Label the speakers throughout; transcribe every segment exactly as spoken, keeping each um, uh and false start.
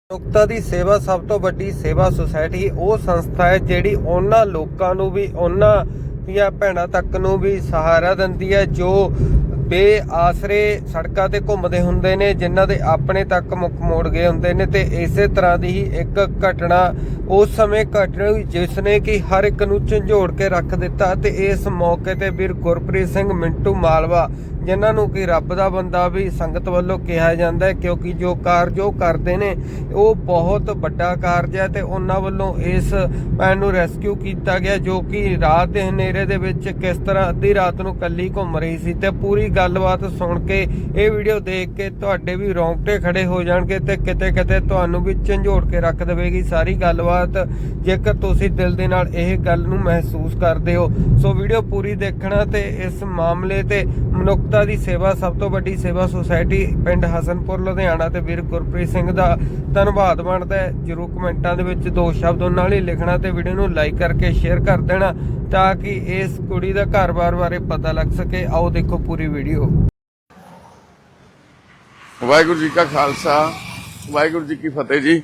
Speaker 1: ਮਨੁੱਖਤਾ ਦੀ ਸੇਵਾ ਸਭ ਤੋਂ ਵੱਡੀ ਸੇਵਾ ਸੁਸਾਇਟੀ ਉਹ ਸੰਸਥਾ ਹੈ ਜਿਹੜੀ ਉਹਨਾਂ ਲੋਕਾਂ ਨੂੰ ਵੀ ਉਹਨਾਂ ਦੀਆਂ ਭੈਣਾਂ ਤੱਕ ਨੂੰ ਵੀ ਸਹਾਰਾ ਦਿੰਦੀ ਹੈ ਜੋ ਬੇਆਸਰੇ ਸੜਕਾਂ ਤੇ ਘੁੰਮਦੇ ਹੁੰਦੇ ਨੇ, ਜਿਨ੍ਹਾਂ ਦੇ ਆਪਣੇ ਤੱਕ ਮੁੱਖ ਮੋੜ ਗਏ ਹੁੰਦੇ ਨੇ। ਤੇ ਇਸੇ ਤਰ੍ਹਾਂ ਦੀ ਹੀ ਇੱਕ ਘਟਨਾ ਉਸ ਸਮੇਂ ਘਟਨੀ ਜਿਸ ਨੇ ਕਿ ਹਰ ਇੱਕ ਨੂੰ ਝੰਜੋੜ ਕੇ ਰੱਖ ਦਿੱਤਾ। ਤੇ ਇਸ ਮੌਕੇ ਤੇ ਵੀਰ ਗੁਰਪ੍ਰੀਤ ਸਿੰਘ ਮਿੰਟੂ ਮਾਲਵਾ, ਜਿਨ੍ਹਾਂ ਨੂੰ ਕਿ ਰੱਬ ਦਾ ਬੰਦਾ ਵੀ ਸੰਗਤ ਵੱਲੋਂ ਕਿਹਾ ਜਾਂਦਾ ਹੈ, ਕਿਉਂਕਿ ਜੋ ਕਾਰਜ ਉਹ ਕਰਦੇ ਨੇ ਉਹ ਬਹੁਤ ਵੱਡਾ ਕਾਰਜ ਹੈ। ਤੇ ਉਹਨਾਂ ਵੱਲੋਂ ਇਸ ਭੈਣ ਨੂੰ ਰੈਸਕਿਊ ਕੀਤਾ ਗਿਆ ਜੋ ਕਿ ਰਾਤ ਦੇ ਹਨੇਰੇ ਦੇ ਵਿੱਚ ਕਿਸ ਤਰ੍ਹਾਂ ਅੱਧੀ ਰਾਤ ਨੂੰ ਕੱਲੀ ਘੁੰਮ ਰਹੀ ਸੀ। ਤੇ ਪੂਰੀ ਗੱਲਬਾਤ ਸੁਣ ਕੇ ਇਹ ਵੀਡੀਓ ਦੇਖ ਕੇ ਤੁਹਾਡੇ ਵੀ ਰੌਂਗਟੇ ਖੜੇ ਹੋ ਜਾਣਗੇ ਤੇ ਕਿਤੇ ਕਿਤੇ ਤੁਹਾਨੂੰ ਵੀ ਝੰਜੋੜ ਕੇ ਰੱਖ ਦੇਵੇਗੀ ਸਾਰੀ ਗੱਲਬਾਤ, ਜੇਕਰ ਤੁਸੀਂ ਦਿਲ ਦੇ ਨਾਲ ਇਹ ਗੱਲ ਨੂੰ ਮਹਿਸੂਸ ਕਰਦੇ ਹੋ। ਸੋ ਵੀਡੀਓ ਪੂਰੀ ਦੇਖਣਾ ਤੇ ਇਸ ਮਾਮਲੇ ਤੇ ਮਨੁੱਖਤਾ ਦੀ ਸੇਵਾ ਸਭ ਤੋਂ ਵੱਡੀ ਸੇਵਾ ਸੁਸਾਇਟੀ ਪਿੰਡ ਹਸਨਪੁਰ ਲੁਧਿਆਣਾ ਤੇ ਵੀਰ ਗੁਰਪ੍ਰੀਤ ਸਿੰਘ ਦਾ ਧੰਨਵਾਦ ਬਣਦਾ ਹੈ। ਜਰੂਰ ਕਮੈਂਟਾਂ ਦੇ ਵਿੱਚ ਦੋ ਸ਼ਬਦ ਉਹਨਾਂ ਨਾਲ ਹੀ ਲਿਖਣਾ ਤੇ ਵੀਡੀਓ ਨੂੰ ਲਾਈਕ ਕਰਕੇ ਸ਼ੇਅਰ ਕਰ ਦੇਣਾ ਤਾਂ ਕਿ ਇਸ ਕੁੜੀ ਦਾ ਘਰ-ਬਾਰ ਬਾਰੇ ਪਤਾ ਲੱਗ ਸਕੇ। ਆਓ ਦੇਖੋ ਪੂਰੀ ਵੀਡੀਓ।
Speaker 2: ਵਾਹਿਗੁਰੂ ਜੀ ਕਾ ਖਾਲਸਾ, ਵਾਹਿਗੁਰੂ ਜੀ ਕੀ ਫਤਿਹ ਜੀ।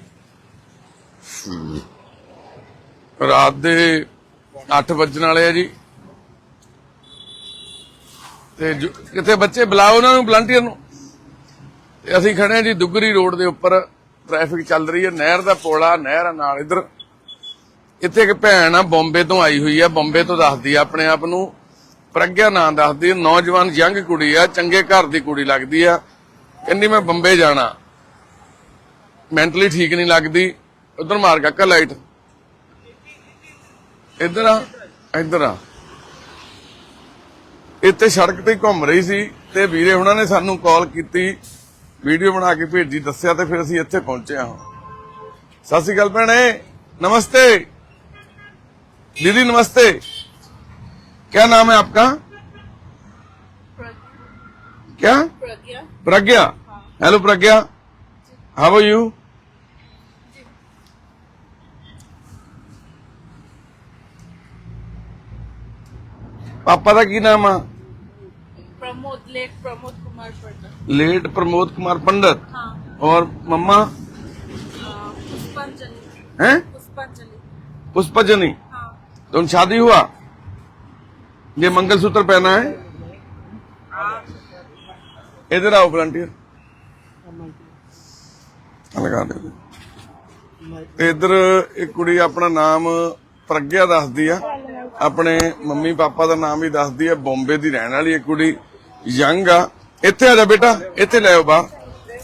Speaker 2: ਰਾਤ ਦੇ ਅੱਠ ਵੱਜਣ ਵਾਲੇ ਆ ਜੀ ਤੇ ਕਿਤੇ ਬੱਚੇ ਬੁਲਾਓ ਉਹਨਾਂ ਨੂੰ, ਵਲੰਟੀਅਰ ਨੂੰ। ਤੇ ਅਸੀਂ ਖੜੇ ਆ ਜੀ ਦੁੱਗਰੀ ਰੋਡ ਦੇ ਉੱਪਰ, ਟ੍ਰੈਫਿਕ ਚੱਲ ਰਹੀ ਹੈ, ਨਹਿਰ ਦਾ ਪੁਲ ਆ, ਨਹਿਰ ਆ ਨਾਲ ਇੱਧਰ। ਇੱਥੇ ਇੱਕ ਭੈਣ ਆ ਬੰਬੇ ਤੋਂ ਆਈ ਹੋਈ ਆ, ਬੰਬੇ ਤੋਂ ਦੱਸਦੀ ਆ ਆਪਣੇ ਆਪ ਨੂੰ, ਪ੍ਰਗਿਆ ਨਾਂ ਦੱਸਦੀ ਆ, ਨੌਜਵਾਨ ਯੰਗ ਕੁੜੀ ਆ, ਚੰਗੇ ਘਰ ਦੀ ਕੁੜੀ ਲੱਗਦੀ ਆ। ਕਹਿੰਦੀ ਮੈਂ ਬੰਬੇ ਜਾਣਾ, ਮੈਂਟਲੀ ਠੀਕ ਨਹੀਂ ਲੱਗਦੀ। ਉਧਰ ਮਾਰ ਕਾਕਾ ਲਾਈਟ, ਇੱਧਰ ਆ ਇੱਧਰ ਆ। ਇੱਥੇ ਸੜਕ ਤੇ ਘੁੰਮ ਰਹੀ ਸੀ ਤੇ ਵੀਰੇ ਹੁਣਾਂ ਨੇ ਸਾਨੂੰ ਕਾਲ ਕੀਤੀ, ਵੀਡੀਓ ਬਣਾ ਕੇ ਭੇਜੀ, ਦੱਸਿਆ ਤੇ ਫਿਰ ਅਸੀਂ ਇੱਥੇ ਪਹੁੰਚੇ ਹਾਂ। ਸਤਿ ਸ਼੍ਰੀ ਅਕਾਲ ਭੈਣੇ, नमस्ते दीदी, नमस्ते। क्या नाम है आपका? क्या? Pragya. Pragya. Hello Pragya, how are you? पापा का की नाम है?
Speaker 3: प्रमोद, लेट प्रमोद कुमार पंडित।
Speaker 2: लेट प्रमोद कुमार पंडित।
Speaker 3: हाँ।
Speaker 2: और मम्मा?
Speaker 3: पुष्पांजलि।
Speaker 2: हैं?
Speaker 3: पुष्पांजलि।
Speaker 2: पुष्पांजलि।
Speaker 3: हाँ।
Speaker 2: तो उन शादी हुआ? ये मंगलसूत्र पहना है? इधर आओ वॉलंटियर, लगा दे। इधर एक कुड़ी अपना नाम प्रज्ञा दसदी आ, अपने मम्मी पापा का नाम भी दसदी है, बॉम्बे की रहने वाली एक कुड़ी यंग आ। इत्थे आ जा बेटा, इत्थे ले आओ बाहर।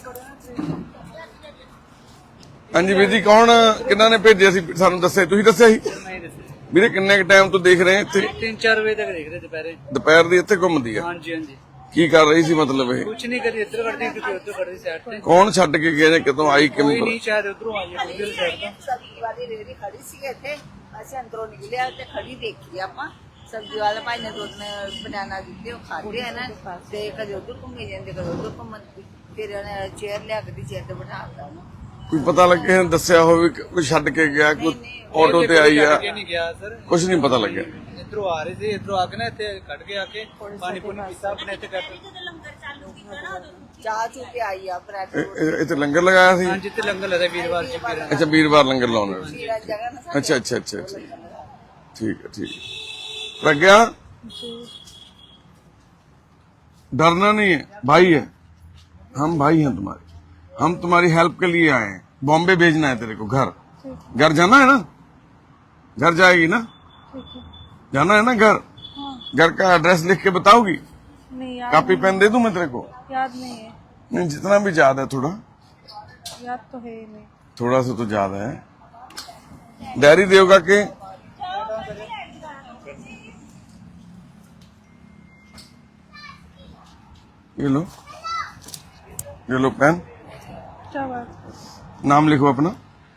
Speaker 2: हाँ जी वीर जी, कौन किन्ना ने भेजे सी सानू दस्सिया? तुसीं दस्सिया सी? ਵੀਰੇ ਕਿੰਨੇ ਕ ਟਾਈਮ ਤੋਂ ਦੇਖ ਰਹੇ ਇੱਥੇ?
Speaker 4: तीन चार बजे तक देख रहे दोपहर।
Speaker 2: ਦੁਪਹਿਰ ਦੀ ਇੱਥੇ ਘੁੰਮਦੀ ਆ?
Speaker 4: हाँ जी हाँ जी।
Speaker 2: ਕੀ ਕਰ ਰਹੀ ਸੀ ਮਤਲਬ ਇਹ?
Speaker 4: कुछ नहीं करी, इधर करती कुछ उधर करती साइड पे।
Speaker 2: ਕੌਣ ਛੱਡ ਕੇ ਗਿਆ ਜਾਂ ਕਿਤੋਂ ਆਈ
Speaker 4: कोई
Speaker 2: ਕਿਵੇਂ?
Speaker 4: नहीं, शायद उधरों आई है उधर साइड पे।
Speaker 5: सब्जी वाली रेहड़ी खड़ी सी ਇੱਥੇ ਅਸੀਂ ਅੰਦਰੋਂ ਨਿਕਲਿਆ ਤੇ ਖੜੀ ਦੇਖੀ ਆਪਾਂ। ਸਬਜ਼ੀ ਵਾਲੇ ਭਾਈ ਨੇ ਦੋ ਤਿੰਨ ਬਨਾਨਾ ਦਿੱਤੇ, ਉਹ ਖਾਦੇ ਆ ਨਾ ਤੇ ਕਦੇ ਉਧਰ ਘੁੰਮੀ ਜਾਂਦੇ ਕਦੇ ਉਧਰ ਘੁੰਮਣ। ਫਿਰ ਉਹਨੇ ਚੇਅਰ ਲਿਆ ਕੇ ਚੇਅਰ ਤੇ ਬਿਠਾਤਾ ਉਹਨੂੰ।
Speaker 2: ਕੋਈ ਪਤਾ ਲੱਗੇ ਦੱਸਿਆ ਹੋਵੇ ਕਿ ਕੋਈ ਛੱਡ ਕੇ ਗਿਆ, ਕੋਈ ਆਟੋ ਤੇ ਆਈ ਆ?
Speaker 4: नहीं गया सर,
Speaker 2: ਕੁਝ ਨਹੀਂ ਪਤਾ ਲੱਗਿਆ।
Speaker 4: इधरों आ रहे थे, इधरों आके ना इतने कट के आके पानी पुनी पीता अपने इतने कट।
Speaker 5: ਚਾਹ ਚੂ ਕੇ ਆਈ ਆ ਬ੍ਰੈਡ
Speaker 2: ਇਹ- ਇਹ- ਇੱਥੇ ਲੰਗਰ ਲਗਾਇਆ ਸੀ?
Speaker 4: हाँ जितने लंगर लगा वीरवार जी फिर।
Speaker 2: ਅੱਛਾ ਵੀਰਵਾਰ ਲੰਗਰ ਲਾਉਣਾ।
Speaker 5: ਸੀਰਾ ਜਗ੍ਹਾ ਨਾ
Speaker 2: अच्छा अच्छा अच्छा अच्छा, ठीक है ठीक है। प्रज्ञा, डरना नहीं है, भाई है, हम भाई हैं तुम्हारे, हम तुम्हारी हेल्प के लिए आए हैं। बॉम्बे भेजना है तेरे को, घर घर जाना है ना? घर जाएगी ना? जाना है ना घर? घर का एड्रेस लिख के बताओगी?
Speaker 3: नहीं याद
Speaker 2: कॉपी पेन दे दूं मैं तेरे को?
Speaker 3: याद नहीं है।
Speaker 2: नहीं, जितना भी याद है थोड़ा
Speaker 3: याद तो है ही नहीं।
Speaker 2: थोड़ा सा तो याद है। डायरी देगा के? ये लो, ये लो पेन,
Speaker 3: क्या बात?
Speaker 2: नाम लिखो अपना,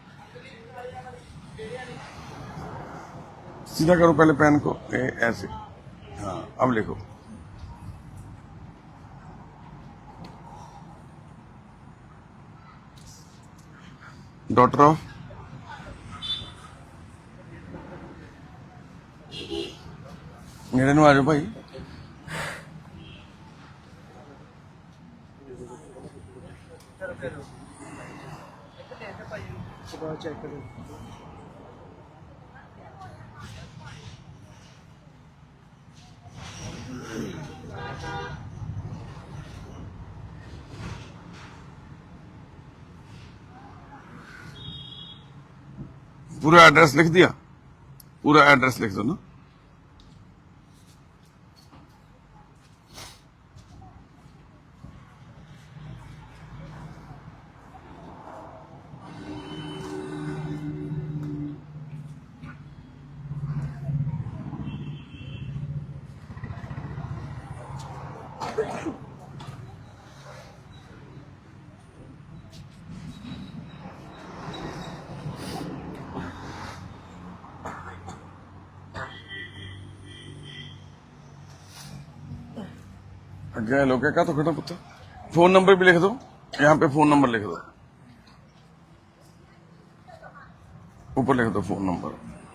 Speaker 2: सीधा करो पहले पेन को, ए, ऐसे। हाँ अब लिखो। डॉटर ऑफ मेरे नु आ जाओ भाई।
Speaker 4: सुबह चेक करें।
Speaker 2: पूरा एड्रेस लिख दिया, पूरा एड्रेस लिख दो ना। अगे लोग क्या तो खड़ा पुत्र, फोन नंबर भी लिख दो, यहाँ पे फोन नंबर लिख दो, ऊपर लिख दो फोन नंबर।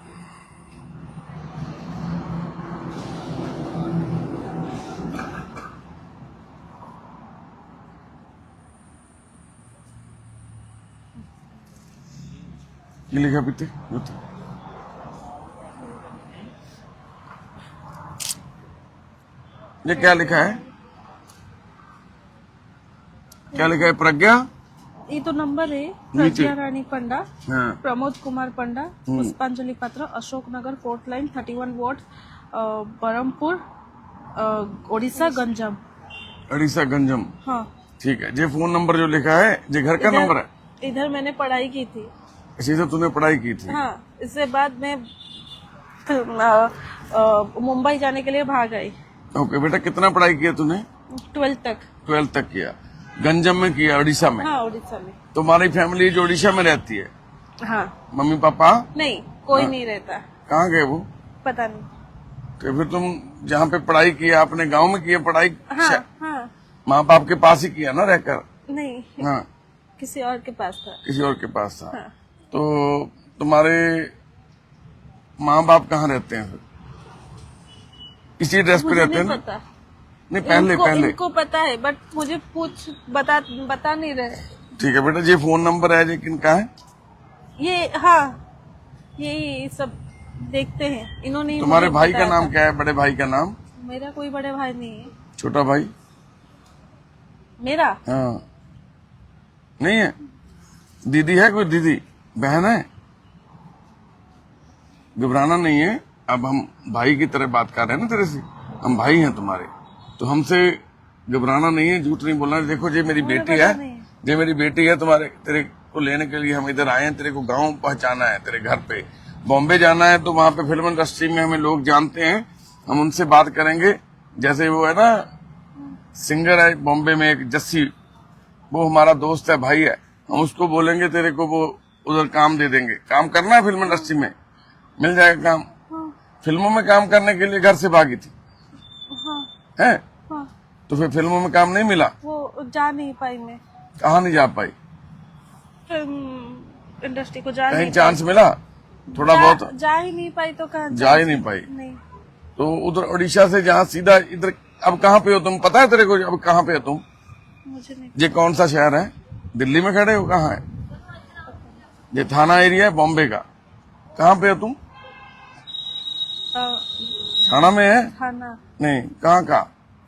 Speaker 2: ये लिखा पीते ये क्या लिखा है, क्या लिखा है? प्रज्ञा,
Speaker 3: ये तो नंबर है।
Speaker 2: नीचे।
Speaker 3: प्रज्ञा रानी पंडा,
Speaker 2: हाँ।
Speaker 3: Pramod Kumar Panda, Pushpanjali Patra, Ashok Nagar, fourth line, thirty one ward, Berhampur, Odisha, Ganjam.
Speaker 2: Orissa Ganjam.
Speaker 3: हाँ,
Speaker 2: ठीक है। ये फोन नंबर जो लिखा है ये घर का
Speaker 3: इधर-
Speaker 2: नंबर है?
Speaker 3: इधर मैंने पढ़ाई की थी।
Speaker 2: इसी से तूने पढ़ाई की थी?
Speaker 3: हाँ, इसके बाद मैं अ, अ, मुंबई जाने के लिए भाग आई।
Speaker 2: ओके बेटा, कितना पढ़ाई किया तूने?
Speaker 3: ट्वेल्थ तक।
Speaker 2: ट्वेल्थ तक किया। गंजम में किया, उड़ीसा में?
Speaker 3: हाँ, उड़ीसा में।
Speaker 2: तुम्हारी फैमिली जो उड़ीसा में रहती है,
Speaker 3: हाँ,
Speaker 2: मम्मी पापा
Speaker 3: नहीं कोई नहीं रहता,
Speaker 2: कहाँ गए वो?
Speaker 3: पता नहीं।
Speaker 2: तो फिर तुम जहाँ पे पढ़ाई किया अपने गांव में किया पढ़ाई?
Speaker 3: हाँ, हाँ,
Speaker 2: माँ बाप के पास ही किया ना रहकर?
Speaker 3: नहीं
Speaker 2: हाँ,
Speaker 3: किसी और के पास था।
Speaker 2: किसी और के पास था।
Speaker 3: हाँ।
Speaker 2: तो तुम्हारे माँ बाप कहाँ रहते हैं फिर? इसी ड्रेस पे
Speaker 3: मुझे
Speaker 2: रहते हैं
Speaker 3: नहीं
Speaker 2: ना?
Speaker 3: पता।
Speaker 2: नहीं, पहले
Speaker 3: इनको,
Speaker 2: पहले
Speaker 3: इनको पता है बट मुझे पूछ बता बता नहीं रहे।
Speaker 2: ठीक है बेटा, ये फोन नंबर है ये किनका है?
Speaker 3: ये हाँ, यही सब देखते हैं इन्होंने ही
Speaker 2: तुम्हारे
Speaker 3: मुझे
Speaker 2: भाई का
Speaker 3: बताया
Speaker 2: नाम
Speaker 3: था।
Speaker 2: क्या है? बड़े भाई का नाम?
Speaker 3: मेरा कोई बड़े भाई नहीं है।
Speaker 2: छोटा भाई?
Speaker 3: मेरा
Speaker 2: हाँ, नहीं है? दीदी है कोई? दीदी बहन है? घबराना नहीं है, अब हम भाई की तरह बात कर रहे हैं ना तेरे से, हम भाई हैं तुम्हारे, तो हमसे घबराना नहीं है, झूठ नहीं बोलना। देखो ये मेरी
Speaker 3: मुझे
Speaker 2: बेटी
Speaker 3: पता
Speaker 2: है,
Speaker 3: नहीं है।
Speaker 2: ये मेरी बेटी है, तुम्हारे तेरे को लेने के लिए हम इधर आए हैं, तेरे को गांव पहुंचाना है, तेरे घर पे बॉम्बे जाना है, तो वहां पे फिल्म इंडस्ट्री में हमें लोग जानते हैं, हम उनसे बात करेंगे। जैसे वो है ना सिंगर है बॉम्बे में एक जस्सी, वो हमारा दोस्त है, भाई है, हम उसको बोलेंगे तेरे को वो उधर काम दे देंगे। काम करना है फिल्म इंडस्ट्री में, मिल जाएगा काम। फिल्मों में काम करने के लिए घर से भागी थी
Speaker 3: हाँ,
Speaker 2: है,
Speaker 3: हाँ,
Speaker 2: तो फिर फिल्मों में काम नहीं मिला?
Speaker 3: वो जा नहीं पाई मैं
Speaker 2: कहाँ नहीं जा पाई?
Speaker 3: फिल्म इंडस्ट्री को जा
Speaker 2: कहीं
Speaker 3: नहीं
Speaker 2: चांस मिला थोड़ा
Speaker 3: जा,
Speaker 2: बहुत?
Speaker 3: जा ही नहीं पाई तो कहाँ
Speaker 2: जा ही नहीं पाई।
Speaker 3: नहीं।
Speaker 2: तो उधर उड़ीसा से जहाँ सीधा इधर, अब कहाँ पे हो तुम? पता है तेरे को अब कहाँ पे हो तुम?
Speaker 3: मुझे नहीं।
Speaker 2: ये कौन सा शहर है? दिल्ली में खड़े हो? कहाँ है ये? थाना एरिया है बॉम्बे का। कहाँ पे हो तुम?
Speaker 3: अ,
Speaker 2: थाना में है?
Speaker 3: थाना
Speaker 2: नहीं, कहाँ का?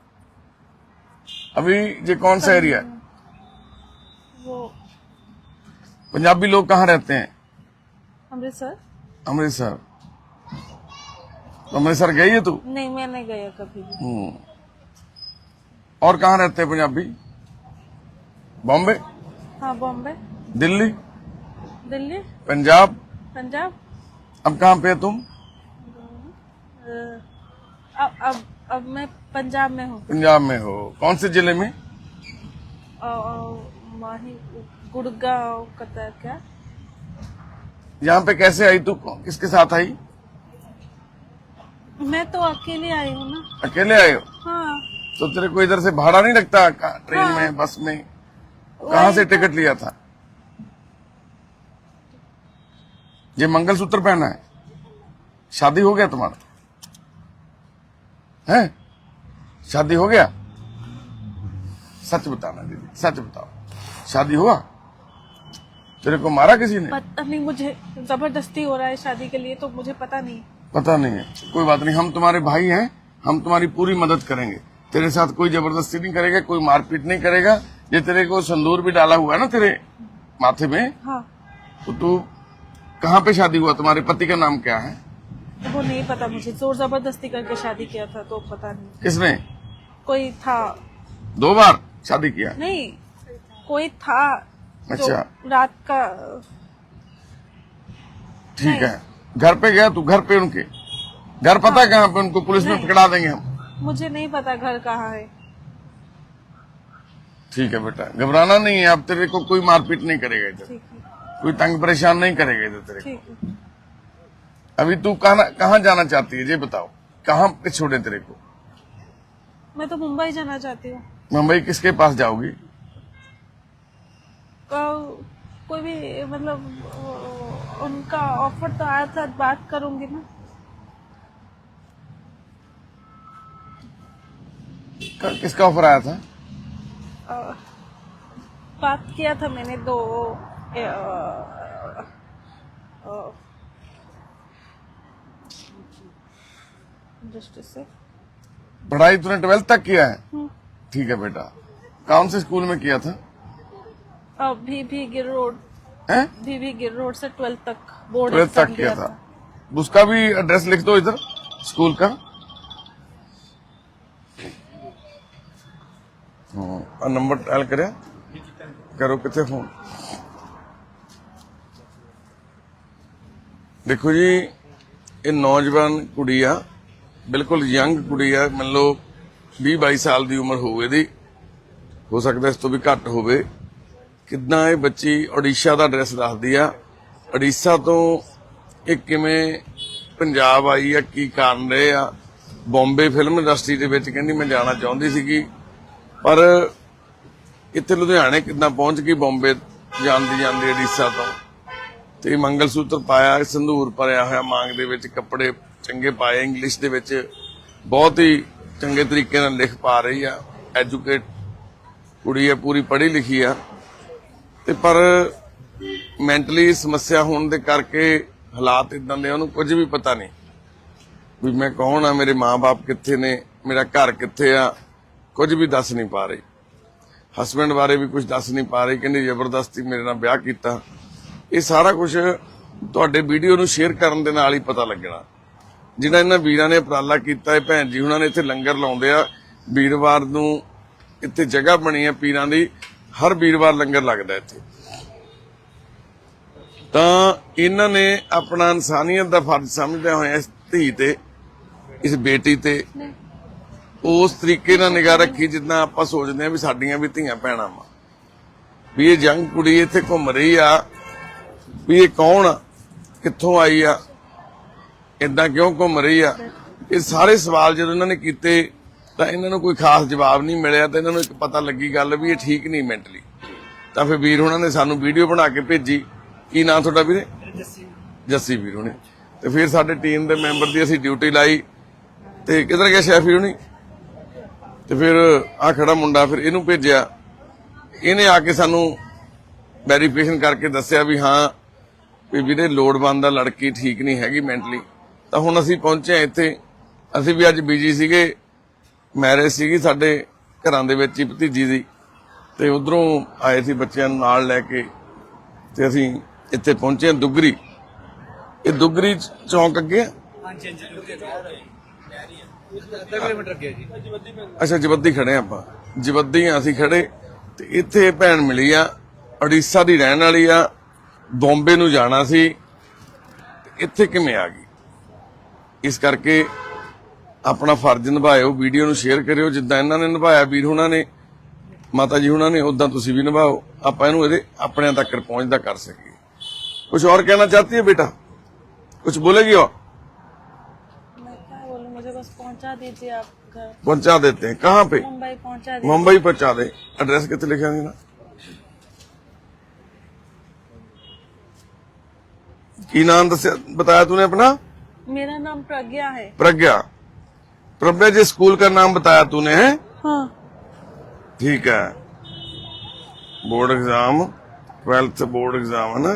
Speaker 2: अभी ये कौन सा एरिया है?
Speaker 3: वो
Speaker 2: पंजाबी लोग कहाँ रहते हैं?
Speaker 3: अमृतसर।
Speaker 2: अमृतसर। तो अमृतसर गई है तू?
Speaker 3: नहीं, मैं नहीं गया कभी भी।
Speaker 2: हम्म। और कहाँ रहते हैं पंजाबी? बॉम्बे,
Speaker 3: हाँ, बॉम्बे,
Speaker 2: दिल्ली,
Speaker 3: दिल्ली,
Speaker 2: पंजाब।
Speaker 3: पंजाब।
Speaker 2: अब कहाँ पे है तुम?
Speaker 3: अ, अब अब अब मैं पंजाब में हूँ।
Speaker 2: पंजाब में हो? कौन से जिले में?
Speaker 3: अ, अ, माही गुड़गांव कतर क्या?
Speaker 2: यहाँ पे कैसे आई तू? किसके साथ आई?
Speaker 3: मैं तो अकेले आई हूँ ना।
Speaker 2: अकेले आए हो?
Speaker 3: हाँ,
Speaker 2: तो तेरे को इधर से भाड़ा नहीं लगता? का- ट्रेन
Speaker 3: हाँ।
Speaker 2: में, बस में? कहाँ से टिकट लिया था? ये मंगलसूत्र पहना है? शादी हो गया तुम्हारा? है? शादी हो गया? सच बताना दीदी, सच बताओ, शादी हुआ? तेरे को मारा किसी ने?
Speaker 3: पता नहीं, मुझे जबरदस्ती हो रहा है शादी के लिए, तो मुझे पता नहीं।
Speaker 2: पता नहीं है, कोई बात नहीं, हम तुम्हारे भाई हैं, हम तुम्हारी पूरी मदद करेंगे। तेरे साथ कोई जबरदस्ती नहीं करेगा, कोई मारपीट नहीं करेगा। ये तेरे को संदूर भी डाला हुआ है ना तेरे माथे में,
Speaker 3: हाँ।
Speaker 2: तो तू कहाँ पे शादी हुआ? तुम्हारे पति का नाम क्या है?
Speaker 3: वो नहीं पता मुझे, जोर जबरदस्ती करके शादी किया था, तो पता नहीं।
Speaker 2: किसने?
Speaker 3: कोई था।
Speaker 2: दो बार शादी किया?
Speaker 3: नहीं, कोई था।
Speaker 2: अच्छा।
Speaker 3: जो रात का।
Speaker 2: ठीक है, घर पे गया तू? घर पे उनके घर पता है कहाँ पे? उनको पुलिस में पकड़ा देंगे हम।
Speaker 3: मुझे नहीं पता घर कहाँ है।
Speaker 2: ठीक है बेटा, घबराना नहीं है। अब तेरे को कोई मारपीट नहीं करेगा इधर,
Speaker 3: ठीक है,
Speaker 2: कोई तंग परेशान नहीं करेगा इधर तेरे को।
Speaker 3: ठीक है।
Speaker 2: अभी तू कहाँ कहाँ जाना चाहती है ये बताओ, कहाँ पे छोड़े तेरे को?
Speaker 3: मैं तो मुंबई जाना चाहती हूँ।
Speaker 2: मुंबई किसके पास जाओगी?
Speaker 3: को- कोई भी मतलब अ, उनका ऑफर तो आया था, बात करूंगी ना।
Speaker 2: क- किसका ऑफर आया था?
Speaker 3: अ, बात किया था मैंने दो अ, अ, जस्ट से।
Speaker 2: पढ़ाई तूने ट्वेल्थ तक किया है? ठीक है बेटा, कौन से स्कूल में किया था?
Speaker 3: अ, भी भी गिर रोड
Speaker 2: हैं?
Speaker 3: भी भी गिर रोड से ट्वेल्थ तक बोर्ड
Speaker 2: ट्वेल्थ
Speaker 3: एग्जाम
Speaker 2: तक किया
Speaker 3: दिया
Speaker 2: था। उसका भी एड्रेस लिख दो इधर, स्कूल का। हाँ, नंबर डायल करे करो, कितने फोन। देखो जी, ये नौजवान कुड़ी आ, बिल्कुल यंग कुड़ी आ, मान लो भी बाई साल की उम्र होवे दी, हो सकता इस तो भी घट होवे। कितना ये बच्ची ओडिशा का एड्रैस दसदी आ। ओडिशा तो एक किवें पंजाब आई आ, की कारण रहे आ। बॉम्बे फिल्म इंडस्ट्री दे विच कहंदी मैं जाना चाहुंदी सीगी, पर इत्थे लुधियाने कितना पहुंच गई बॉम्बे ਜਾਂਦੀ ਜਾਂਦੀ ओडिशा तो। ਤੇ ਮੰਗਲ ਸੂਤਰ ਪਾਇਆ, ਸੰਧੂਰ ਭਰਿਆ ਹੋਇਆ ਮਾਂਗ ਦੇ ਵਿੱਚ, ਕੱਪੜੇ ਚੰਗੇ ਪਾਏ, ਇੰਗਲਿਸ਼ ਦੇ ਵਿੱਚ ਬਹੁਤ ਹੀ ਚੰਗੇ ਤਰੀਕੇ ਨਾਲ ਲਿਖ ਪਾ ਰਹੀ ਆ। ਐਜੂਕੇਟ ਕੁੜੀ ਹੈ, ਪੂਰੀ ਪੜ੍ਹੀ ਲਿਖੀ ਆ, ਤੇ ਪਰ ਮੈਂਟਲੀ ਸਮੱਸਿਆ ਹੋਣ ਦੇ ਕਰਕੇ ਹਾਲਾਤ ਇਦਾਂ ਦੇ, ਉਹਨੂੰ ਕੁਝ ਵੀ ਪਤਾ ਨਹੀਂ ਵੀ ਮੈਂ ਕੌਣ ਆ, ਮੇਰੇ ਮਾਂ-ਬਾਪ ਕਿੱਥੇ ਨੇ, ਮੇਰਾ ਘਰ ਕਿੱਥੇ ਆ, ਕੁਝ ਵੀ ਦੱਸ ਨਹੀਂ ਪਾ ਰਹੀ। ਹਸਬੈਂਡ ਬਾਰੇ ਵੀ ਕੁਝ ਦੱਸ ਨਹੀਂ ਪਾ ਰਹੀ, ਕਹਿੰਦੀ ਜ਼ਬਰਦਸਤੀ ਮੇਰੇ ਨਾਲ ਵਿਆਹ ਕੀਤਾ। ਇਹ ਸਾਰਾ ਕੁਝ ਤੁਹਾਡੇ ਵੀਡੀਓ ਨੂੰ ਸ਼ੇਅਰ ਕਰਨ ਦੇ ਨਾਲ ਹੀ ਪਤਾ ਲੱਗਣਾ। ਜਿਹੜਾ ਇਹਨਾਂ ਵੀਰਾਂ ਨੇ ਉਪਰਾਲਾ ਕੀਤਾ ਹੈ, ਭੈਣ ਜੀ ਉਹਨਾਂ ਨੇ ਇੱਥੇ ਲੰਗਰ ਲਾਉਂਦੇ ਆ ਵੀਰਵਾਰ ਨੂੰ, ਇੱਥੇ ਜਗ੍ਹਾ ਬਣੀ ਹੈ ਪੀਰਾਂ ਦੀ, ਹਰ ਵੀਰਵਾਰ ਲੰਗਰ ਲੱਗਦਾ ਇੱਥੇ। ਤਾਂ ਇਹਨਾਂ ਨੇ ਆਪਣਾ ਇਨਸਾਨੀਅਤ ਦਾ ਫਰਜ਼ ਸਮਝਦਿਆਂ ਹੋਇਆ ਇਸ ਧੀ ਤੇ, ਇਸ ਬੇਟੀ ਤੇ ਉਸ ਤਰੀਕੇ ਨਾਲ ਨਿਗਾਹ ਰੱਖੀ ਜਿੱਦਾਂ ਆਪਾਂ ਸੋਚਦੇ ਆ ਵੀ ਸਾਡੀਆਂ ਵੀ ਧੀਆਂ ਭੈਣਾਂ ਵਾ। ਵੀ ਇਹ ਜੰਗ ਕੁੜੀ ਇੱਥੇ ਘੁੰਮ ਰਹੀ ਆ, ਵੀ ਇਹ ਕੌਣ ਆ, ਕਿੱਥੋਂ ਆਈ ਆ, ਇਦਾਂ ਕਿਉਂ ਘੁੰਮ ਰਹੀ ਆ। ਇਹ ਸਾਰੇ ਸਵਾਲ ਜਦੋਂ ਇਹਨਾਂ ਨੇ ਕੀਤੇ ਤਾਂ ਇਹਨਾਂ ਨੂੰ ਕੋਈ ਖਾਸ ਜਵਾਬ ਨਹੀਂ ਮਿਲਿਆ, ਤਾਂ ਇਹਨਾਂ ਨੂੰ ਇੱਕ ਪਤਾ ਲੱਗੀ ਗੱਲ ਵੀ ਇਹ ਠੀਕ ਨਹੀਂ ਮੈਂਟਲੀ। ਤਾਂ ਫਿਰ ਵੀਰ ਉਹਨਾਂ ਨੇ ਸਾਨੂੰ ਵੀਡੀਓ ਬਣਾ ਕੇ ਭੇਜੀ। ਕੀ ਨਾਂ ਤੁਹਾਡਾ ਵੀਰੇ? ਜੱਸੀ ਵੀਰ ਹੁਣੀ। ਤੇ ਫਿਰ ਸਾਡੇ ਟੀਮ ਦੇ ਮੈਂਬਰ ਦੀ ਅਸੀਂ ਡਿਊਟੀ ਲਾਈ, ਤੇ ਕਿੱਧਰ ਗਿਆ ਸ਼ੈਫੀ ਹੁਣੀ, ਤੇ ਫਿਰ ਆ ਖੜਾ ਮੁੰਡਾ, ਫਿਰ ਇਹਨੂੰ ਭੇਜਿਆ। ਇਹਨੇ ਆ ਕੇ ਸਾਨੂੰ ਵੈਰੀਫਿਕੇਸ਼ਨ ਕਰਕੇ ਦੱਸਿਆ ਵੀ ਹਾਂ ਵੀ ਵੀਰੇ ਲੋੜਵੰਦ ਦਾ ਲੜਕੀ ਠੀਕ ਨਹੀਂ ਹੈਗੀ ਮੈਂਟਲੀ। ਤਾਂ ਹੁਣ ਅਸੀਂ ਪਹੁੰਚੇ ਇੱਥੇ। ਅਸੀਂ ਵੀ ਅੱਜ ਬਿਜੀ ਸੀਗੇ, ਮੈਰਿਜ ਸੀਗੀ ਸਾਡੇ ਘਰਾਂ ਦੇ ਵਿੱਚ ਹੀ ਭਤੀਜੀ ਦੀ, ਤੇ ਉਧਰੋਂ ਆਏ ਸੀ ਬੱਚਿਆਂ ਨੂੰ ਨਾਲ ਲੈ ਕੇ, ਤੇ ਅਸੀਂ ਇੱਥੇ ਪਹੁੰਚੇ ਦੁੱਗਰੀ। ਇਹ ਦੁੱਗਰੀ ਚੌਂਕ ਅੱਗੇ ਆ।
Speaker 4: ਹਾਂਜੀ ਹਾਂਜੀ ਅੱਧਾ ਕਿਲੋਮੀਟਰ ਅੱਗੇ ਜੀ।
Speaker 2: ਅੱਛਾ, ਜਵੱਦੀ ਖੜੇ ਆਪਾਂ, ਜਵੱਦੀ ਆ ਅਸੀਂ ਖੜੇ। ਤੇ ਇੱਥੇ ਭੈਣ ਮਿਲੀ ਆ, ਉੜੀਸਾ ਦੀ ਰਹਿਣ ਵਾਲੀ ਆ, ਬੰਬੇ ਨੂੰ ਜਾਣਾ ਸੀ, ਤੇ ਇੱਥੇ ਕਿਵੇਂ ਆ ਗਈ। ਇਸ ਕਰਕੇ ਆਪਣਾ ਫਰਜ਼ ਨਿਭਾਇਓ, ਵੀਡੀਓ ਨੂੰ ਸ਼ੇਅਰ ਕਰਿਓ ਜਿੱਦਾਂ ਇਹਨਾਂ ਨੇ ਨਿਭਾਇਆ ਵੀਰ ਹੁਣਾਂ ਨੇ, ਮਾਤਾ ਜੀ ਹੁਣਾਂ ਨੇ, ਉਦਾਂ ਤੁਸੀਂ ਵੀ ਨਿਭਾਓ। ਆਪਾਂ ਇਹਨੂੰ ਇਹਦੇ ਆਪਣਿਆਂ ਤੱਕ ਪਹੁੰਚਦਾ ਕਰ ਸਕੀਏ। कुछ और कहना चाहती है बेटा? कुछ बोलेगी और?
Speaker 3: मैं क्या बोलूं, मुझे बस पहुंचा दीजिए आप घर।
Speaker 2: पहुंचा देते हैं। कहाँ पे?
Speaker 3: मुंबई पहुंचा दीजिए।
Speaker 2: मुंबई पहुंचा दे। एड्रेस कितने लिखा है ना? की नाम दस बताया तूने अपना?
Speaker 3: मेरा नाम प्रज्ञा है।
Speaker 2: प्रज्ञा। प्रज्ञा जी, स्कूल का नाम बताया तूने है?
Speaker 3: हाँ।
Speaker 2: ठीक है। Board exam twelfth board exam है ना।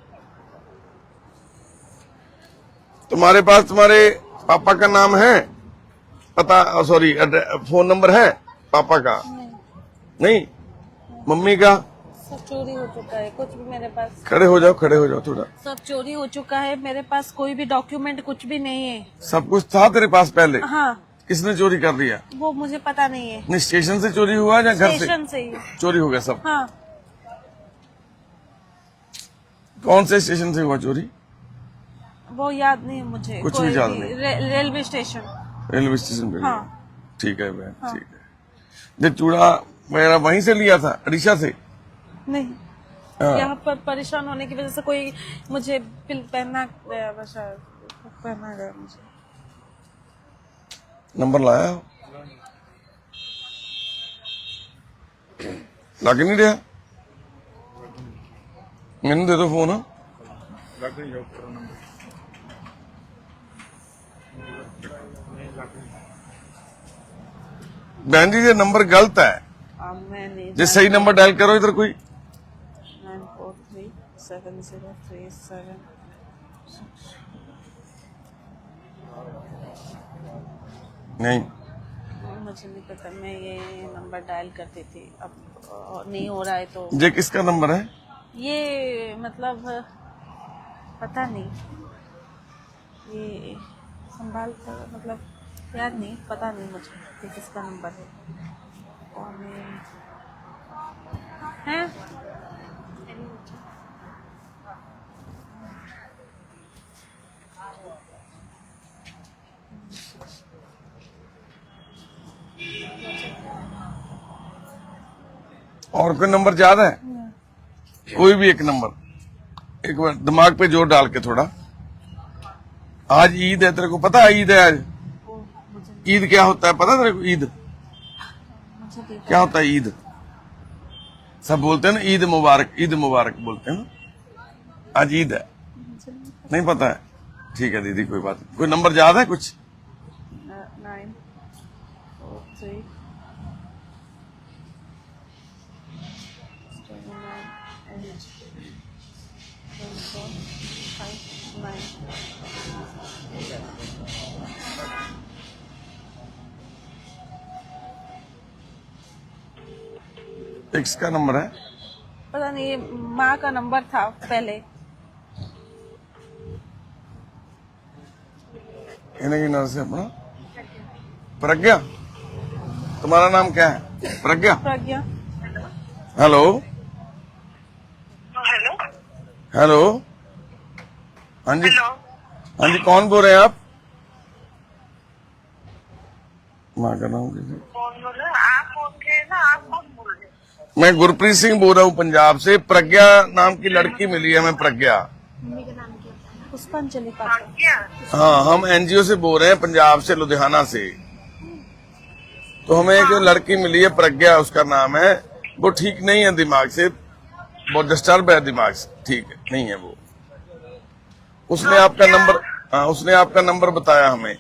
Speaker 2: तुम्हारे पास तुम्हारे पापा का नाम है, पता, सॉरी फोन नंबर है पापा का? नहीं। मम्मी का?
Speaker 3: सब चोरी हो चुका है, कुछ भी मेरे पास।
Speaker 2: खड़े हो जाओ, खड़े हो जाओ थोड़ा।
Speaker 3: सब चोरी हो चुका है, मेरे पास कोई भी डॉक्यूमेंट कुछ भी नहीं है।
Speaker 2: सब कुछ था तेरे पास पहले?
Speaker 3: हाँ।
Speaker 2: किसने चोरी कर दिया?
Speaker 3: वो मुझे पता नहीं है।
Speaker 2: नहीं, स्टेशन से चोरी हुआ या घर से?
Speaker 3: स्टेशन से ही
Speaker 2: चोरी हो गया सब?
Speaker 3: हाँ।
Speaker 2: कौन से स्टेशन से हुआ चोरी?
Speaker 3: वो याद नहीं है मुझे।
Speaker 2: कुछ
Speaker 3: कोई
Speaker 2: भी याद नहीं?
Speaker 3: रे, रेलवे स्टेशन।
Speaker 2: रेलवे स्टेशन पे?
Speaker 3: हाँ।
Speaker 2: ठीक है बहन, ठीक है। जो चूड़ा वगैरह वहीं से लिया था, अड़ीसा से?
Speaker 3: नहीं,
Speaker 2: हाँ।
Speaker 3: यहाँ पर परेशान होने की वजह से कोई मुझे पिल पहना गया, बस पहना गया मुझे।
Speaker 2: नंबर लाया हो? लग नहीं रहा? मैंने दे दो फोन। बहन जी ये नंबर गलत है,
Speaker 3: अब मैं नहीं
Speaker 2: जो सही नंबर डायल करो इधर कोई।
Speaker 3: Nine four three seven zero three seven.
Speaker 2: नहीं,
Speaker 3: मुझे नहीं पता, मैं ये नंबर डायल करती थी, अब अ, नहीं हो रहा है तो।
Speaker 2: ये किसका नंबर है?
Speaker 3: ये मतलब पता नहीं, ये संभाल कर मतलब याद नहीं, पता नहीं मुझे कि किसका नंबर है। कौन है, है?
Speaker 2: और कोई नंबर याद है? कोई भी एक नंबर, एक बार दिमाग पे जोर डाल के थोड़ा। आज ईद है, तेरे को पता है ईद है आज? ईद क्या होता है पता है तेरे को? ईद क्या होता है? ईद सब बोलते हैं ना, ईद मुबारक, ईद मुबारक बोलते हैं ना। आज ईद है, नहीं पता है? ठीक है दीदी, कोई बात नहीं। कोई नंबर याद है कुछ?
Speaker 3: नाइन फोर थ्री
Speaker 2: एक्स का नंबर है?
Speaker 3: पता नहीं, ये माँ का नंबर था पहले।
Speaker 2: इन्हें की नाम से अपना प्रज्ञा। तुम्हारा नाम क्या है? Pragya.
Speaker 3: Pragya.
Speaker 2: Hello
Speaker 6: hello
Speaker 2: hello. हाँ जी,
Speaker 6: हेलो
Speaker 2: हाँ जी, कौन बोल रहे हैं आप? माँ का नाम कैसे?
Speaker 6: कौन बोल रहे हैं? आप फोन किए ना, आप कौन बोल रहे हैं?
Speaker 2: मैं गुरप्रीत सिंह बोल रहा हूँ पंजाब से। प्रज्ञा नाम की लड़की मिली है हमें, प्रज्ञा।
Speaker 3: पुष्पांजलि
Speaker 6: हाँ,
Speaker 3: पात्र।
Speaker 6: क्या?
Speaker 2: हाँ, हम एनजीओ से बोल रहे हैं, पंजाब से, लुधियाना से। तो हमें एक लड़की मिली है प्रज्ञा, उसका नाम है। वो ठीक नहीं है दिमाग से, बहुत डिस्टर्ब है दिमाग से, ठीक है नहीं है वो। उसने आपका नंबर, हाँ उसने आपका नंबर बताया हमें।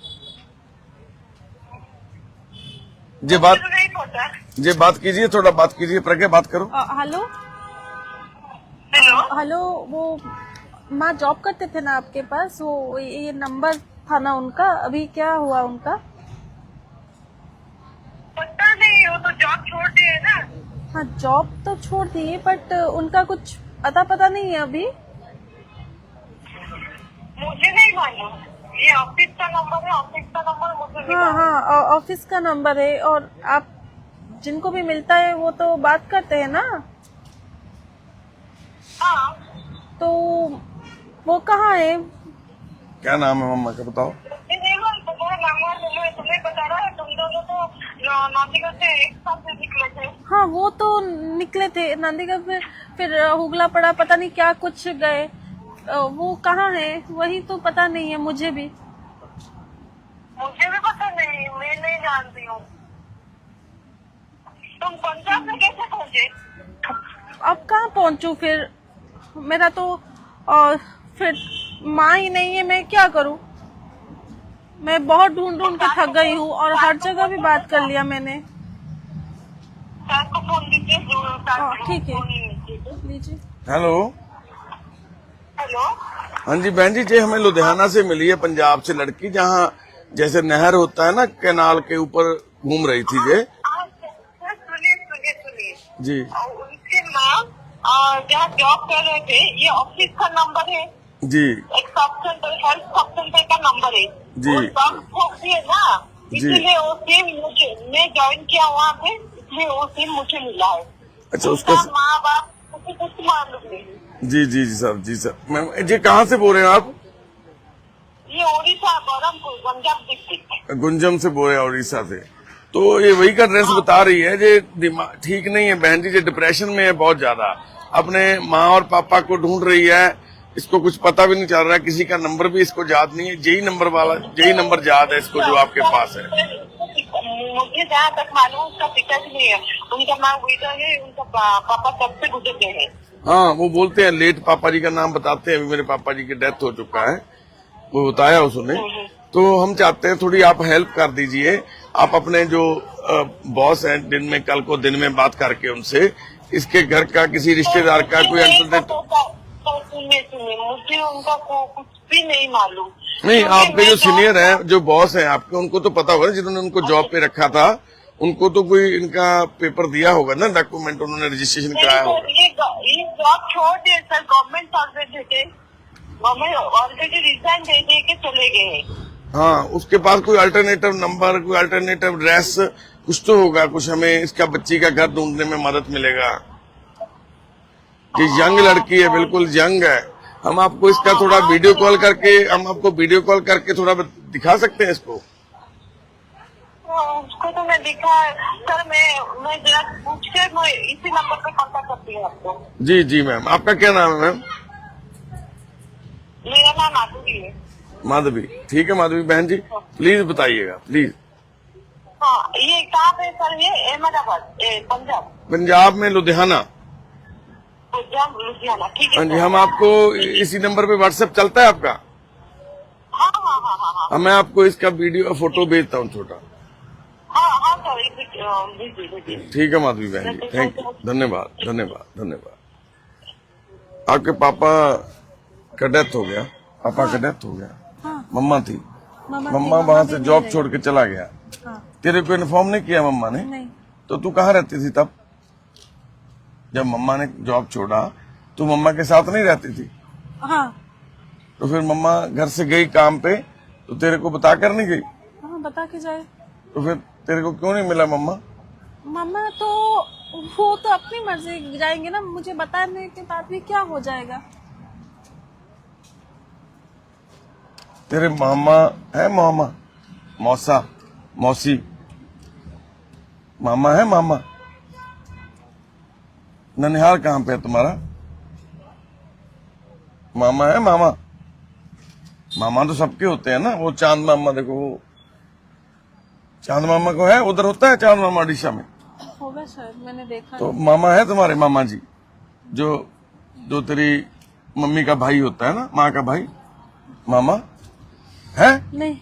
Speaker 2: ये बात,
Speaker 6: मुझे नहीं पता।
Speaker 2: ये बात कीजिए, थोड़ा बात कीजिए। प्रज्ञा बात करो।
Speaker 3: अ, हेलो
Speaker 6: हेलो
Speaker 3: हेलो, वो माँ जॉब करते थे ना आपके पास, वो ये नंबर था ना उनका, अभी क्या हुआ उनका?
Speaker 6: पता नहीं, वो तो जॉब छोड़ दिए ना।
Speaker 3: हाँ जॉब तो छोड़ दिए, बट उनका कुछ अता पता नहीं है अभी।
Speaker 6: मुझे नहीं मालूम, ये ऑफिस का नंबर है, ऑफिस का नंबर मुझे नहीं
Speaker 3: हाँ
Speaker 6: मालूम।
Speaker 3: हाँ, ऑफिस का नंबर है, और आप जिनको भी मिलता है वो तो बात करते हैं ना,
Speaker 6: हाँ,
Speaker 3: तो वो कहाँ है?
Speaker 2: क्या नाम है मम्मा का बताओ?
Speaker 6: मुझे नहीं मालूम, तुम्हारा नंबर तुम्हें तुम्हें बता रहा है। तुम दोनों तो नौतिका से एक साथ से निकले थे।
Speaker 3: हाँ वो तो निकले थे नांदीगढ़, फिर फिर हुगला पड़ा, पता नहीं क्या कुछ गए। अ, वो कहाँ है वही तो पता नहीं है मुझे भी।
Speaker 6: मुझे भी पता नहीं, मैं नहीं जानती हूँ। तुम पंजाब में कैसे पहुँचे?
Speaker 3: अब कहाँ पहुँचूं फिर? मेरा तो और फिर माँ ही नहीं है, मैं क्या करूँ? मैं बहुत ढूंढ ढूंढ के थक गई हूँ, और हर जगह भी बात कर लिया मैंने।
Speaker 6: सर को फोन कीजिए, जो सर
Speaker 3: हाँ,
Speaker 6: को
Speaker 3: ठीक है।
Speaker 6: फोन कीजिए।
Speaker 3: लीजिए।
Speaker 2: Hello
Speaker 6: hello.
Speaker 2: हाँ जी बहन जी, जी हमें लुधियाना से मिली है, पंजाब से लड़की, जहाँ जैसे नहर होता है ना, कैनाल के ऊपर घूम रही थी ये।
Speaker 6: हाँ, सर, सुनिए सुनिए सुनिए
Speaker 2: जी
Speaker 6: और उनके माँ आ, जहाँ जॉब कर रहे थे, ये ऑफिस का नंबर है,
Speaker 2: जी
Speaker 6: एक sub centre, health sub centre का नंबर है।
Speaker 2: जी।
Speaker 6: वो सब ठोक दिए ना, इसलिए वो सिम मुझे, मैं ज्वाइन किया वहाँ पे, इसलिए वो सिम मुझे मिला है।
Speaker 2: अच्छा,
Speaker 6: उसका
Speaker 2: उसका
Speaker 6: माँ बाप मुझे कुछ मालूम नहीं।
Speaker 2: जी जी जी सर, जी सर। मैम जी कहाँ से बोल रहे हैं आप?
Speaker 6: ये ओडिशा बरहमपुर गंजाम डिस्ट्रिक्ट।
Speaker 2: गुंजम से बोल रहे हैं, उड़ीसा से। तो ये वही का ड्रेस बता रही है, जे दिमाग ठीक नहीं है बहन जी, जे डिप्रेशन में है बहुत ज्यादा, अपने माँ और पापा को ढूंढ रही है, इसको कुछ पता भी नहीं चल रहा है, किसी का नंबर भी इसको याद नहीं है, यही नंबर वाला यही नंबर याद है इसको जो आपके पास है।
Speaker 6: मुझे जहाँ तक मालूम उसका पिताजी नहीं है, उनका नाम विजय है, उनका पा, पापा कब से गुजर गए हैं।
Speaker 2: हाँ, वो बोलते हैं लेट पापा जी का नाम बताते हैं, अभी मेरे पापा जी की डेथ हो चुका है, वो बताया उसने। तो हम चाहते हैं थोड़ी आप हेल्प कर दीजिए, आप अपने जो बॉस हैं दिन में, कल को दिन में बात करके उनसे, इसके घर का किसी रिश्तेदार का कोई अल्टरनेट।
Speaker 6: सुनिए सुनिए, मुझे उनका को कुछ भी नहीं मालूम।
Speaker 2: नहीं, आपके जो सीनियर हैं, जो बॉस हैं आपके, उनको तो पता होगा ना, जिन्होंने उनको जॉब पे रखा था, उनको तो कोई इनका पेपर दिया होगा ना, डॉक्यूमेंट उन्होंने रजिस्ट्रेशन कराया होगा।
Speaker 6: ये ये जॉब छोड़ दिए सर, गवर्नमेंट सर्विस थे, गवर्नमेंट ऑलरेडी रिजाइन दे दे के चले गए हैं।
Speaker 2: हाँ, उसके पास कोई अल्टरनेटिव नंबर, कोई अल्टरनेटिव एड्रेस कुछ तो होगा, कुछ हमें इसका बच्ची का घर ढूंढने में मदद मिलेगा। ये यंग लड़की है, बिल्कुल यंग है, हम आपको इसका थोड़ा वीडियो कॉल करके, हम आपको वीडियो कॉल करके थोड़ा दिखा सकते हैं इसको।
Speaker 6: उसको तो मैं दिखा सर, मैं मैं जरा पूछ के मैं इसी नंबर पे कांटेक्ट करती हूँ आपको।
Speaker 2: जी जी मैम, आपका क्या नाम है मैम?
Speaker 6: मेरा नाम माधुरी है।
Speaker 2: माधवी, ठीक है माधवी बहन जी, प्लीज बताइएगा प्लीज।
Speaker 6: हाँ, ये कहाँ पे सर? ये अहमदाबाद, ए, पंजाब।
Speaker 2: पंजाब में लुधियाना।
Speaker 6: पंजाब लुधियाना, ठीक है।
Speaker 2: हाँ जी,
Speaker 6: सर।
Speaker 2: हम आपको इसी नंबर पे व्हाट्सएप चलता है आपका?
Speaker 6: हाँ हाँ हाँ हाँ हाँ
Speaker 2: हाँ, मैं आपको इसका वीडियो फोटो भेजता हूँ छोटा।
Speaker 6: हाँ हाँ सर, एक मिनट, अ, भेजिए भेजिए।
Speaker 2: ठीक है माधवी बहन जी, थैंक यू, धन्यवाद धन्यवाद धन्यवाद। आपके पापा का डेथ हो गया, पापा का डेथ हो गया, मम्मा थी, मम्मा वहां से जॉब छोड़ के चला गया, तेरे को इन्फॉर्म नहीं किया मम्मा ने?
Speaker 3: नहीं।
Speaker 2: तो तू कहाँ रहती थी तब जब मम्मा ने जॉब छोड़ा? तू मम्मा के साथ नहीं रहती थी?
Speaker 3: हाँ
Speaker 2: तो फिर मम्मा घर से गई काम पे, तो तेरे को बता कर नहीं गई?
Speaker 3: हाँ, बता के जाए।
Speaker 2: तो फिर तेरे को क्यों नहीं मिला मम्मा?
Speaker 3: मम्मा तो वो तो अपनी मर्जी जाएंगे ना, मुझे बताने के बाद भी क्या हो जाएगा।
Speaker 2: तेरे मामा है, मामा मौसा मौसी मामा है, मामा? ननिहाल कहाँ पे है तुम्हारा? मामा है, मामा? मामा तो सबके होते हैं ना, वो चांद मामा, देखो वो चांद मामा को है, उधर होता है चांद मामा उड़ीसा में
Speaker 3: होगा शायद, मैंने देखा
Speaker 2: तो मामा है तुम्हारे, मामा जी, जो जो तेरी मम्मी का भाई होता है ना, माँ का भाई, मामा है?
Speaker 3: नहीं।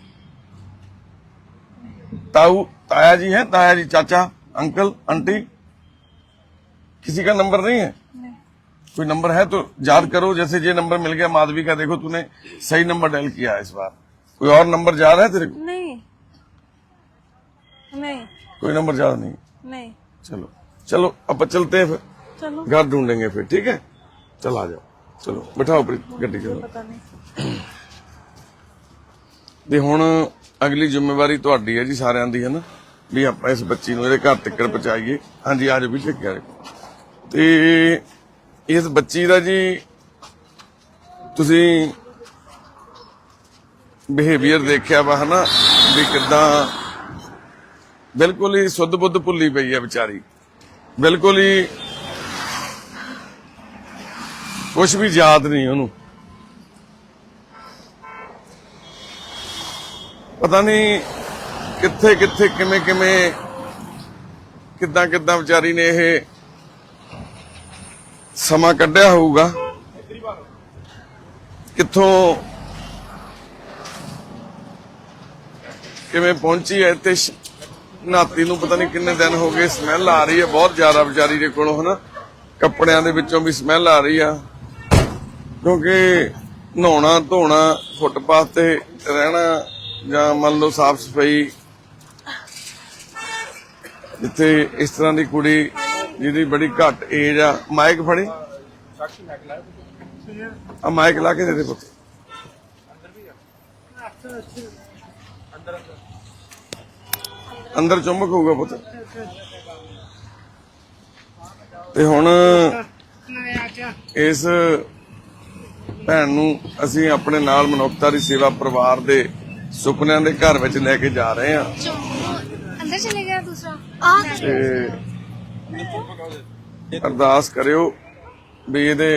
Speaker 2: ताऊ ताया जी है, ताया जी, चाचा, अंकल, आंटी, किसी का नंबर नहीं है?
Speaker 3: नहीं।
Speaker 2: कोई नंबर है तो याद करो, जैसे ये नंबर मिल गया माधवी का, देखो तूने सही नंबर डायल किया है इस बार। कोई और नंबर याद है तेरे को?
Speaker 3: नहीं नहीं
Speaker 2: कोई नंबर याद नहीं?
Speaker 3: नहीं।
Speaker 2: चलो चलो, अब चलते हैं फिर,
Speaker 3: चलो,
Speaker 2: घर ढूंढेंगे फिर, ठीक है? चल आ जाओ, चलो बिठाओ गड्डी, चलो।
Speaker 3: पता नहीं।
Speaker 2: ਤੇ ਹੁਣ ਅਗਲੀ ਜ਼ਿੰਮੇਵਾਰੀ ਤੁਹਾਡੀ ਹੈ ਜੀ, ਸਾਰਿਆਂ ਦੀ, ਹੈ ਨਾ, ਵੀ ਆਪਾਂ ਇਸ ਬੱਚੀ ਨੂੰ ਇਹਦੇ ਘਰ ਤੱਕ ਪਹੁੰਚਾਈਏ। ਹਾਂਜੀ ਆ ਜਾਓ ਵੀ ਚੱਕਿਆ ਤੇ ਇਸ ਬੱਚੀ ਦਾ ਜੀ ਤੁਸੀਂ ਬਿਹੇਵੀਅਰ ਦੇਖਿਆ ਵਾ, ਹਨਾ, ਵੀ ਕਿੱਦਾਂ ਬਿਲਕੁਲ ਹੀ ਸੁੱਧ ਬੁੱਧ ਭੁੱਲੀ ਪਈ ਹੈ ਵਿਚਾਰੀ, ਬਿਲਕੁਲ ਹੀ ਕੁਝ ਵੀ ਯਾਦ ਨਹੀਂ ਉਹਨੂੰ। ਪਤਾ ਨਹੀਂ ਕਿੱਥੇ ਕਿੱਥੇ ਕਿਵੇਂ ਕਿਵੇਂ ਕਿੱਦਾਂ ਕਿੱਦਾਂ ਵਿਚਾਰੀ ਨੇ ਇਹ ਸਮਾਂ ਕੱਢਿਆ ਹੋਊਗਾ, ਕਿੱਥੋਂ ਕਿਵੇਂ ਪਹੁੰਚੀ ਹੈ ਇੱਥੇ। ਨਾਤੀ ਨੂੰ ਪਤਾ ਨਹੀਂ ਕਿੰਨੇ ਦਿਨ ਹੋ ਗਏ, ਸਮੈਲ ਆ ਰਹੀ ਹੈ ਬਹੁਤ ਜ਼ਿਆਦਾ ਵਿਚਾਰੀ ਦੇ ਕੋਲੋਂ, ਹਨਾ। ਕੱਪੜਿਆਂ ਦੇ ਵਿੱਚੋਂ ਵੀ ਸਮੈਲ ਆ ਰਹੀ ਆ, ਕਿਉਂਕਿ ਨਹਾਉਣਾ ਧੋਣਾ ਫੁੱਟਪਾਥ ਤੇ ਰਹਿਣਾ ਜਾਂ ਮੰਨ ਲਓ ਸਾਫ ਸਫਾਈ, ਜਿੱਥੇ ਇਸ ਤਰ੍ਹਾਂ ਦੀ ਕੁੜੀ ਜਿਹਦੀ ਬੜੀ ਘੱਟ ਏਜ ਆ, ਮਾਈਕ ਫੜੀ ਆ, ਮਾਈਕ ਲਾ ਕੇ ਦੇ ਦੇ ਪੁੱਤ। ਅੰਦਰ ਚੁੰਮਕ ਹੋਊਗਾ ਪੁੱਤ। ਤੇ ਹੁਣ ਇਸ ਭੈਣ ਨੂੰ ਅਸੀਂ ਆਪਣੇ ਨਾਲ ਮਨੁੱਖਤਾ ਦੀ ਸੇਵਾ ਪਰਿਵਾਰ ਦੇ ਸੁਪਨਿਆਂ ਦੇ ਘਰ ਵਿੱਚ ਲੈ ਕੇ ਜਾ ਰਹੇ ਹਾਂ।
Speaker 7: अंदर चले गया दूसरा आ
Speaker 2: ਤੇ ਅਰਦਾਸ ਕਰਿਓ ਵੀ ਇਹਦੇ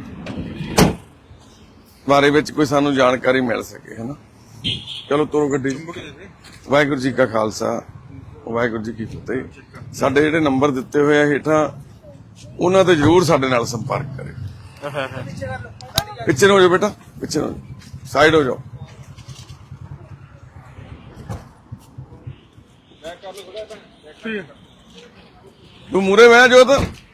Speaker 2: ਬਾਰੇ ਵਿੱਚ ਕੋਈ ਸਾਨੂੰ ਜਾਣਕਾਰੀ ਮਿਲ ਸਕੇ, ਹੈ ਨਾ। ਚਲੋ ਤੋਰੋ ਗੱਡੀ। ਵਾਹਿਗੁਰੂ ਜੀ ਕਾ ਖਾਲਸਾ, ਵਾਹਿਗੁਰੂ ਜੀ ਕੀ ਫਤਿਹ। ਸਾਡੇ ਜਿਹੜੇ ਨੰਬਰ ਦਿੱਤੇ ਹੋਏ ਆ ਹੇਠਾਂ, ਉਹਨਾਂ ਤੇ ਜਰੂਰ ਸਾਡੇ ਨਾਲ ਸੰਪਰਕ ਕਰਿਓ। ਪਿੱਛੇ ਨੂੰ ਹੋ ਜਾਓ ਬੇਟਾ, ਪਿੱਛੇ ਨੂੰ ਸਾਈਡ ਹੋ ਜਾਓ। ਤੂੰ ਮੂਰੇ ਬਹਿ ਜੋਤ।